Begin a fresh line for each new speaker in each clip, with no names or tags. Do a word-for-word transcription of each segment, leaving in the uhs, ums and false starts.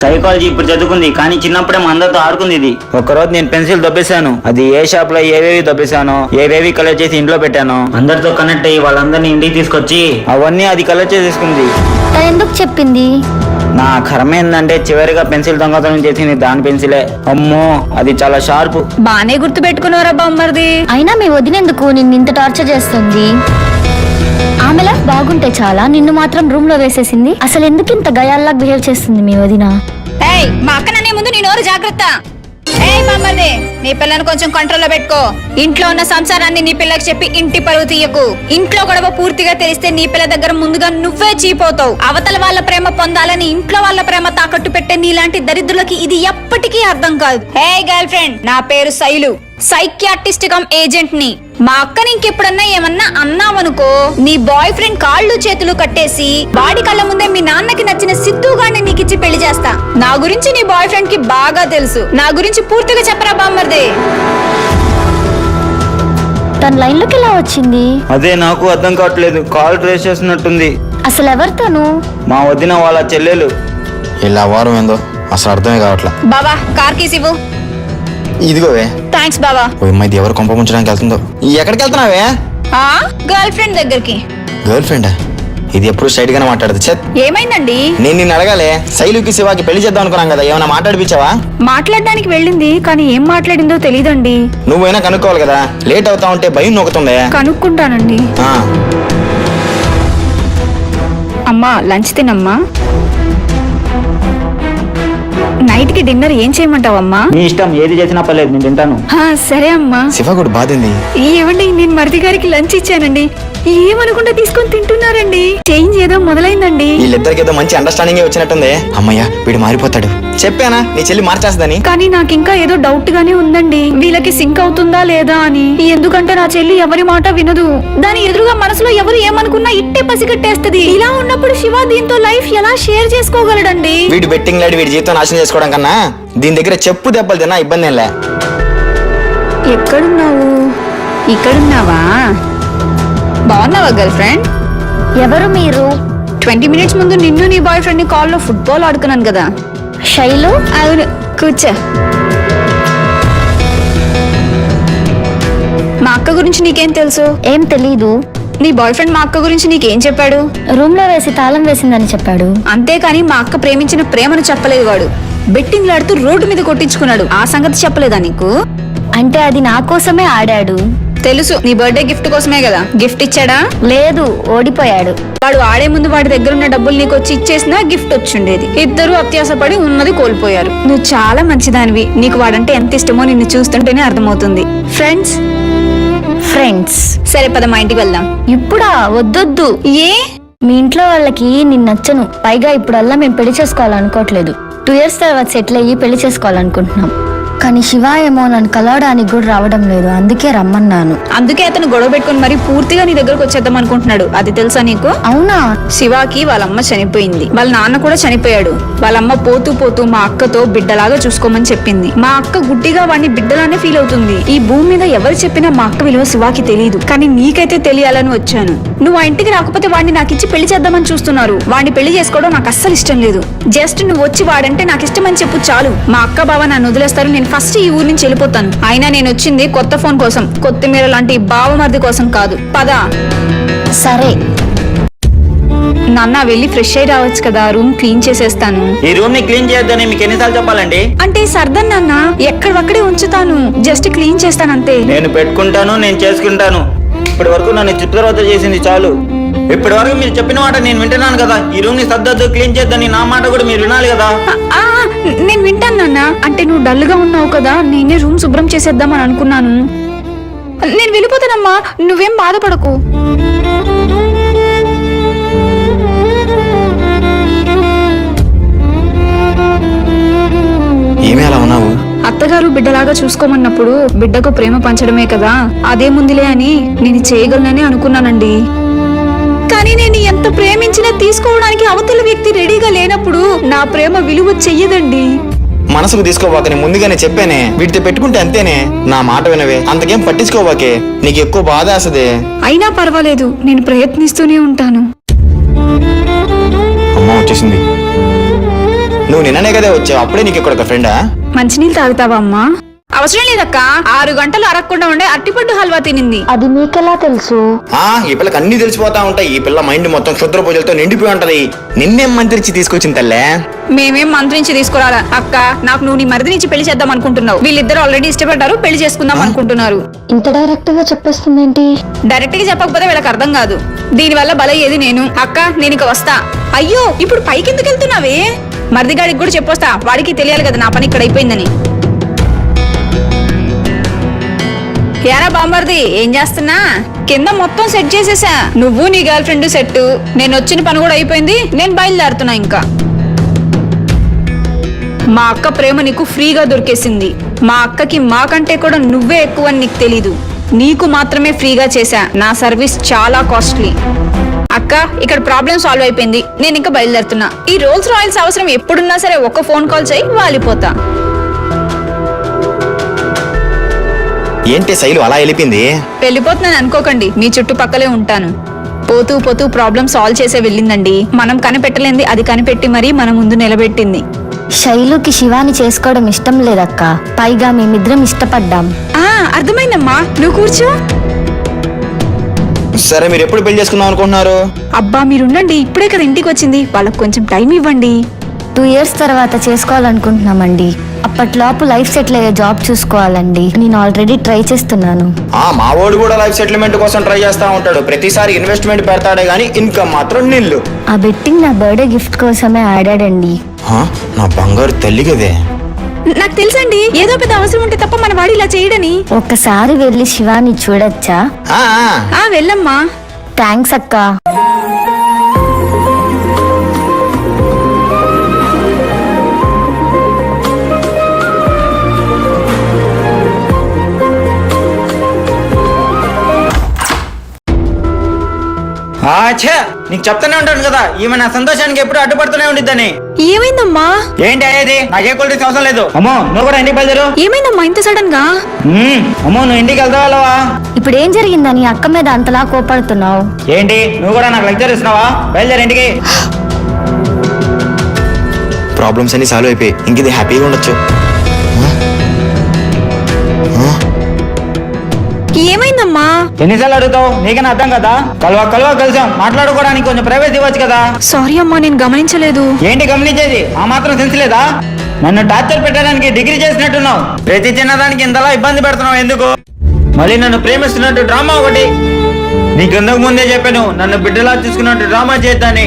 Psychology ఇప్పుడు చదువుకుంది, కానీ చిన్నప్పుడే మా అందరితో ఆడుకుంది. ఇది ఒకరోజు నేను పెన్సిల్ దొబ్బేశాను. అది ఏ షాప్ లో ఏవేవి దొబ్బేశాను, ఏవేవి కలెక్ట్ చేసి ఇంట్లో పెట్టాను. అందరితో కనెక్ట్ అయ్యి వాళ్ళందరినీ ఇంటికి తీసుకొచ్చి అవన్నీ అది కలెక్ట్ చేసేసుకుంది.
ఎందుకు చెప్పింది?
నా కర్మ ఏందంటే చివరిగా పెన్సిల్ దొంగతనం చేసింది దాని పెన్సిలే. అమ్మో, అది చాలా షార్ప్.
బానే గుర్తు పెట్టుకున్నారా బామ్మర్ది.
అయినా మీ వదినెందుకు నిన్ను ఇంత టార్చర్ చేస్తుంది? ఆమెలా బాగుంటే చాలా, నిన్ను మాత్రం రూమ్ లో వేసేసింది. అసలు ఎందుకు ఇంత గయాల్లా బిహేవ్ చేస్తుంది మీ వదిన?
ఏయ్, మా అక్క నన్నే ముందు నీ నోరు జాగ్రత్త. ఏయ్ బామ్మర్ది, నీ పిల్లని కొంచెం కంట్రోల్లో పెట్టుకో. ఇంట్లో ఉన్న సంసారాన్ని నీ పిల్లకి చెప్పి ఇంటి పరువు తీయకు. ఇంట్లో గొడవ పూర్తిగా తెలిస్తే నీ పిల్ల దగ్గర ముందుగా నువ్వే చీపోతావు. అవతల వాళ్ళ ప్రేమ పొందాలని ఇంట్లో వాళ్ళ ప్రేమ తాకట్టు పెట్టే నీలాంటి దరిద్రులకి ఇది ఎప్పటికీ అర్థం కాదు. హే గర్ల్ ఫ్రెండ్, నా పేరు శైలు, సైకియాట్రిస్ట్ కమ్ ఏజెంట్ ని. మా అక్కని ఇంకెప్పుడన్నా ఏమన్నా అన్నావనుకో, నీ బాయ్ ఫ్రెండ్ కాళ్ళు చేతులు కట్టేసి వాడి కళ్ళ ముందే మీ నాన్నకి నచ్చిన సిద్ధుగాడిని నీకిచ్చి పెళ్లి చేస్తా. నా గురించి నీ బాయ్ ఫ్రెండ్ కి బాగా తెలుసు. నా గురించి పూర్తిగా చెప్పరా బామ్మర్దే.
తన లైన్ లోకి ఎలా వచ్చింది?
అదే నాకు అర్థం కావట్లేదు. కాల్ ట్రేస్ చేస్తున్నట్టుంది.
అసలు ఎవరు తను?
మా వదిన వాళ్ళ చెల్లెలు.
ఇలా వారం ఏందో అసలు అర్థమే కావట్లా.
బాబా కార్ కీస్ ఇవ్వు.
ఇదిగోవే.
థ్యాంక్స్ బాబా.
ఓ అమ్మాయి ఎవరు కొంప ముంచడానికి వెళ్తుందో. ఎక్కడికి వెళ్తున్నావే?
ఆ గర్ల్ ఫ్రెండ్ దగ్గరికి.
గర్ల్ ఫ్రెండా? ఇది ఎప్పుడు స్ట్రైట్ గానే మాట్లాడదు. చెత్
ఏమైందండి?
నేను నిన్ను అడగాలే, శైలుకి శివాకి పెళ్లి చేద్దాం అనుకున్నాం కదా, ఏమైనా మాట్లాడిపించావా?
మాట్లాడడానికి వెళ్ళింది, కానీ ఏం మాట్లాడిందో తెలీదండి.
నువ్వైనా కనుక్కోవాలి కదా, లేట్ అవుతా ఉంటే భయం నొక్కుతుంది.
కనుక్కుంటానండి.
ఆ,
అమ్మా లంచ్ తినమ్మా. నైట్ కి డిన్నర్ ఏం చేయమంటావమ్మా?
నీ ఇష్టం, ఏది చేసినా పర్లేదు, నేను తింటాను.
హా, సరే అమ్మా.
శివ కూడా బాధింది.
ఏమండి, నేను మరిది గారికి లంచ్ ఇచ్చానండి, ఏమనుకుంటా తీసుకొని తింటున్నారండి. చేంజ్ ఏదో మొదలైందండి.
వీళ్ళిద్దరికి ఏదో మంచి అండర్స్టాండింగ్ వచ్చినట్టుంది. అమ్మయ్య, వీడు మారిపోతాడు. చెప్పానా నీ చెల్లి మార్చేస్తుందని?
కానీ నాకు ఇంకా ఏదో డౌట్ గానే ఉందండి, వీళ్ళకి సింక్ అవుతుందా లేదా అని. ఎందుకంటే నా చెల్లి ఎవరి మాట వినదు. దాని ఎదురుగా మనసులో ఎవరు ఏమనుకున్నా ఇట్టే పసిగట్టేస్తది. ఇలా ఉన్నప్పుడు శివ దీంతో లైఫ్ ఎలా షేర్ చేసుకోగలడండి?
వీడు బెట్టింగ్ లాడి వీడి జీవితం నాశనం చేసుకోవడం కన్నా దీని దగ్గర చెప్పు దెబ్బలు తిన్నా ఇబ్బంది ఏంలే.
ఎక్కడున్నావు? ఇక్కడున్నావా? బాగున్నావా గర్ల్ ఫ్రెండ్?
ఎవరు మీరు?
ట్వంటీ మినిట్స్ ముందు నిన్ను నీ బాయ్ ఫ్రెండ్ ని కాల్ లో ఫుట్బాల్ ఆడుకున్నాను కదా.
శైలు?
అవును, కూర్చో. మా అక్క గురించి నీకేం తెలుసు?
ఏం తెలీదు.
నీ బాయ్ ఫ్రెండ్ మా అక్క గురించి నీకేం చెప్పాడు?
రూమ్ లో వేసి తాళం వేసిందని చెప్పాడు.
అంతేకాని మా అక్క ప్రేమించిన ప్రేమను చెప్పలేదు. వాడు బెట్టింగ్ ఆడుతూ రోడ్డు మీద కొట్టించుకున్నాడు. ఆ సంగతి చెప్పలేదా నీకు?
అంటే అది నా కోసమే ఆడాడు.
తెలుసు, నీ బర్త్డే గిఫ్ట్ కోసమే కదా. గిఫ్ట్ ఇచ్చాడా?
లేదు, ఓడిపోయాడు.
వాడు ఆడే ముందు వాడి దగ్గర ఉన్న డబ్బులు నీకు వచ్చి ఇచ్చేసినా గిఫ్ట్ వచ్చిండేది. ఇద్దరు అత్యాసపడి ఉన్నది కోల్పోయారు. నువ్వు చాలా మంచిదానివి. నీకు వాడంటే ఎంత ఇష్టమో నిన్ను చూస్తుంటేనే అర్థమవుతుంది. ఫ్రెండ్స్
ఫ్రెండ్స్
సరే పద, మా ఇంటికి వెళ్దాం.
ఇప్పుడా? వద్దొద్దు.
ఏ?
మీ ఇంట్లో వాళ్ళకి నిన్ను నచ్చను. పైగా ఇప్పుడల్లా మేము పెళ్లి చేసుకోవాలనుకోవట్లేదు. టూ ఇయర్స్ తర్వాత సెటిల్ అయ్యి పెళ్లి చేసుకోవాలనుకుంటున్నాం. కానీ శివ ఏమో నన్ను కలవడానికి కూడా రావడం లేదు, అందుకే రమ్మన్నాను.
అందుకే అతను గొడవ పెట్టుకుని మరి పూర్తిగా నీ దగ్గరకు వచ్చేద్దాం అనుకుంటున్నాడు. అది తెలుసా నీకు?
అవునా?
శివాకి వాళ్ళమ్మ చనిపోయింది, వాళ్ళ నాన్న కూడా చనిపోయాడు. వాళ్ళమ్మ పోతూ పోతూ మా అక్కతో బిడ్డలాగా చూసుకోమని చెప్పింది. మా అక్క గుడ్డిగా వాడిని బిడ్డలానే ఫీల్ అవుతుంది. ఈ భూమి మీద ఎవరు చెప్పినా మా అక్క విలువ శివాకి తెలియదు, కానీ నీకైతే తెలియాలని వచ్చాను. నువ్వు ఆ ఇంటికి రాకపోతే వాడిని నాకు ఇచ్చి పెళ్లి చేద్దామని చూస్తున్నారు. వాడిని పెళ్లి చేసుకోవడం నాకు అస్సలు ఇష్టం లేదు. జస్ట్ నువ్వు వచ్చి వాడంటే నాకు ఇష్టమని చెప్పు చాలు. మా అక్క బావ నన్ను వదిలేస్తారు, నేను ఫస్ట్ ఈ ఊరి నుంచి వెళ్ళిపోతాను. అయినా నేను వచ్చింది కొత్త ఫోన్ కోసం, కొత్తిమీర లాంటి బావమర్ది కోసం కాదు. పదా.
సరే.
నాన్న వెళ్ళి ఫ్రెష్ అయి రావచ్చు కదా, రూమ్ క్లీన్ చేసేస్తాను.
ఈ రూమ్ ని క్లీన్ చేయొద్దని మీకు ఎన్నిసార్లు చెప్పాలండి?
అంటే సర్దన్ నాన్న, ఎక్కడక్కడే ఉంచుతాను, జస్ట్ క్లీన్ చేస్తాను అంతే.
నేను పెట్టుకుంటాను, నేను చేసుకుంటాను. ఇప్పటి వరకు నన్ను చిత్రవత చేసింది చాలు. ఇప్పటి వరకు మీరు చెప్పిన మాట నేను వింటున్నాను కదా. ఈ రూమ్ ని సర్దద్దు, క్లీన్ చేద్దని నా మాట కూడా మీరు వినాలి కదా.
ఆ, నేను వింటాను నాన్న. అంటే నువ్వు డల్ గా ఉన్నావు కదా, నేనే రూమ్ శుభ్రం చేసేద్దామని అనుకున్నాను. నేను వెళ్ళిపోతానమ్మా, నువ్వేం బాధపడకు.
ఏమి అలా ఉన్నావు?
అత్తగారు బిడ్డలాగా చూసుకోమన్నప్పుడు బిడ్డకు ప్రేమ పంచడమే కదా, అదే ముందులే అని నేను చేయగలనని అనుకున్నానండి. కానీ నేను ఎంత ప్రేమించినా తీసుకోవడానికి అవతల వ్యక్తి రెడీగా లేనప్పుడు నా ప్రేమ విలువ చెయ్యదండి.
మనసుకు తీసుకోవాకని ముందుగానే చెప్పానే, వీటితో పెట్టుకుంటే అంతేనే. నా మాట వినవే, అంతకేం పట్టించుకోవాకే, నీకు ఎక్కువ బాధ వేస్తదే.
అయినా పర్వాలేదు, నేను ప్రయత్నిస్తూనే ఉంటాను.
అమ్మ వచ్చేసింది. నువ్వు నిన్ననే కదా వచ్చావు, అప్పుడే నీకు ఇక్కడ ఒక ఫ్రెండా?
మంచినీళ్ళు తాగుతావా అమ్మా? అవసరం లేదక్క, ఆరు గంటలు అరగకుండా ఉండే అట్టిపండు హల్వా తినింది.
అది మీకెలా తెలుసు?
ఆ ఈ పిల్లకి అన్ని తెలిసిపోతా ఉంటాయి. ఈ పిల్ల మైండ్ మొత్తం క్షుద్ర పూజలతో నిండిపోయి ఉంటది. నిన్నేం మంత్రించి తీసుకొచ్చింది తల్లే?
మేమేం మంత్రించి తీసుకురాలా అక్క. నాకు నువ్వు నీ మరిది నుంచి పెళ్లి చేద్దాం అనుకుంటున్నావు. వీళ్ళిద్దరు ఆల్రెడీ ఇష్టపడ్డారు, పెళ్లి చేసుకుందాం అనుకుంటున్నారు.
ఇంత డైరెక్ట్ గా చెప్పేస్తుందేంటి?
డైరెక్ట్ గా చెప్పకపోతే వీళ్ళకి అర్థం కాదు. దీని వల్ల బలయ్యేది నేను. అక్క నేను ఇక వస్తా. అయ్యో ఇప్పుడు పైకి ఎందుకు వెళ్తున్నావే? మరిదిగాడికి కూడా చెప్పొస్తా, వాడికి తెలియాలి కదా నా పని ఇక్కడ అయిపోయిందని. యారా బామ్మర్ది ఏం చేస్తున్నా? కింద మొత్తం సెట్ చేసేసా. నువ్వు నీ గర్ల్ ఫ్రెండ్ సెట్. నేను వచ్చిన పని కూడా అయిపోయింది, నేను బయలుదేరుతున్నా. ఇంకా మా అక్క ప్రేమ నీకు ఫ్రీగా దొరికేసింది. మా అక్కకి మాకంటే కూడా నువ్వే ఎక్కువ అని నీకు తెలీదు. నీకు మాత్రమే ఫ్రీగా చేశా. నా సర్వీస్ చాలా కాస్ట్లీ. అక్క ఇక్కడ ప్రాబ్లం సాల్వ్ అయిపోయింది, నేను ఇంకా బయలుదేరుతున్నా. ఈ రోల్స్ రాయల్స్ అవసరం ఎప్పుడున్నా సరే ఒక్క ఫోన్ కాల్ చేయి, వాలిపోతా.
ఏంటి శైలు అలా వెళ్ళిపోయింది?
వెళ్ళిపోతున్నాను అనుకోకండి, మీ చుట్టుపక్కలే ఉంటాను. పోతూ పోతూ ప్రాబ్లం సాల్వ్ చేసే వెళ్ళిందండి. మనం కనిపెట్టలేంది అది కనిపెట్టి మరీ మన ముందు నిలబెట్టింది.
శైలుకి శివాని చేసుకోవడం ఇష్టం లేదక్క, పైగా మేమిద్దరం ఇష్టపడ్డాం.
ఆ అర్థమైందమ్మా, నువ్వు కూర్చో.
సరే మీరు ఎప్పుడు పెళ్లి చేసుకుందాం అనుకుంటున్నారు?
అబ్బా మీరుండండి, ఇప్పుడే కదా ఇంటికి వచ్చింది, వాళ్ళకు కొంచెం టైం ఇవ్వండి.
టూ ఇయర్స్ తర్వాత చేసుకోవాలనుకుంటున్నామండి. అప్పట్లోపు లైఫ్ సెటిల్ అయ్యే జాబ్ చూసుకోవాలండి. నేను ఆల్రెడీ ట్రై చేస్తున్నాను.
ఆ మా వాడు కూడా లైఫ్ సెటిల్మెంట్ కోసం ట్రై చేస్తా ఉంటాడు. ప్రతిసారి ఇన్వెస్ట్మెంట్ పెడతాడే గానీ ఇన్కమ్ మాత్రం నిల్లు.
ఆ బెట్టింగ్ నా బర్త్డే గిఫ్ట్ కోసమే ఆడాడండి.
నా బంగారు తల్లి కదే.
నాకు తెలుసండి, ఏదో పెద్ద అవసరం ఉంటే తప్ప మన వాడు ఇలా చేయడని.
ఒక్కసారి వెళ్ళి శివాని చూడొచ్చా?
ఆ, ఆ.
ఆ వెళ్ళమ్మా.
థ్యాంక్స్ అక్క.
ఆఛా, నీకు చెప్తానే ఉంటాను కదా, ఈమె నా సంతోషానికి ఎప్పుడు అడ్డుపడుతూనే ఉండిద్దని.
ఏమైందమ్మా?
ఏంటి అయ్యేది? నాకే కూల్ డ్రింక్స్ అవసరం లేదు. అమ్మో నువ్వు కూడా ఇంటికి బయలుదేరు.
ఏమైందమ్మా ఇంత సడన్ గా?
మ్మ్, అమ్మో నువ్వు ఇంటికి వెళ్తావా?
ఇప్పుడు ఏం జరిగిందని అక్క మీద అంతలా కోపడుతున్నావు?
ఏంటి నువ్వు కూడా నాకు లెక్చర్ ఇస్తున్నావా? బయలుదేరు ఇంటికి.
ప్రాబ్లమ్స్ అన్ని సాల్వ్ అయిపోయి ఇంక ఇది హ్యాపీగా ఉండొచ్చు.
ఏమైందమ్మా?
ఎన్నిసార్లు అడుగుతావు? నీకైనా అర్థం కదా? కలవా కలవా కలిసాం, మాట్లాడుకోవడానికి కొంచెం ప్రైవేట్ ఇవ్వచ్చు కదా.
సారీ అమ్మా, నేను గమనించలేదు.
ఏంటి గమనించేది? ఆ మాత్రం సెన్స్ లేదా? నన్ను టార్చర్ పెట్టడానికి డిగ్రీ చేసినట్టున్నావు. ప్రతి చిన్నదానికి ఇంతలా ఇబ్బంది పెడుతున్నావు ఎందుకు? మళ్ళీ నన్ను ప్రేమిస్తున్నట్టు డ్రామా ఒకటి. నీకు ఇంతకు ముందే చెప్పాను నన్ను బిడ్డలా చూసుకున్నట్టు డ్రామా చేద్దాని.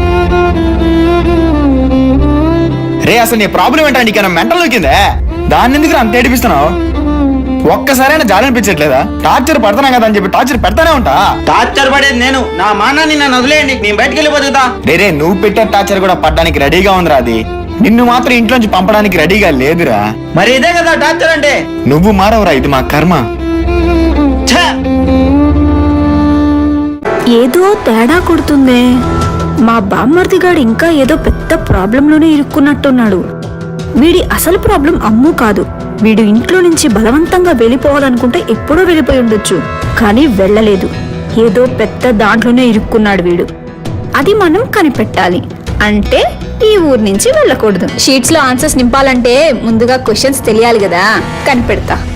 రే అసలు నీ ప్రాబ్లం ఏంటంటే నీకైనా మెంటల్ దొరికిందే? దాన్ని ఎందుకు అంత ఏడిపిస్తున్నావు? ఒక్కసారైనా జాలి అనిపించట్లేదా? టార్చర్ పడతానా కదా అని చెప్పి టార్చర్ పెడతానే ఉంటా.
టార్చర్ పడేది నేను, నా మానాన్ని నన్ను వదిలేయండి, నేను బయటకు వెళ్ళి బతుకుతా.
రే నువ్వు పెట్టే టార్చర్ కూడా పడ్డానికి రెడీగా ఉందిరా. అది నిన్ను మాత్రం ఇంట్లోంచి పంపడానికి రెడీగా లేదురా.
మరి ఇదే కదా టార్చర్ అంటే?
నువ్వు మారవురా, ఇది మా కర్మ.
ఛ!
ఏదో తేడా కొడుతుందే. మా బామ్మర్దిగాడు ఇంకా ఏదో పెద్ద ప్రాబ్లంలోనే ఇరుక్కున్నట్టున్నాడు. వీడి అసలు ప్రాబ్లం అమ్ము కాదు. వీడు ఇంట్లో నుంచి బలవంతంగా వెళ్ళిపోవాలనుకుంటే ఎప్పుడో వెళ్ళిపోయి ఉండొచ్చు, కానీ వెళ్ళలేదు. ఏదో పెద్ద దాంట్లోనే ఇరుక్కున్నాడు వీడు. అది మనం కనిపెట్టాలి. అంటే ఈ ఊరు నుంచి వెళ్ళకూడదు. షీట్స్ లో ఆన్సర్స్ నింపాలంటే ముందుగా క్వశ్చన్స్ తెలియాలి కదా, కనిపెడతా.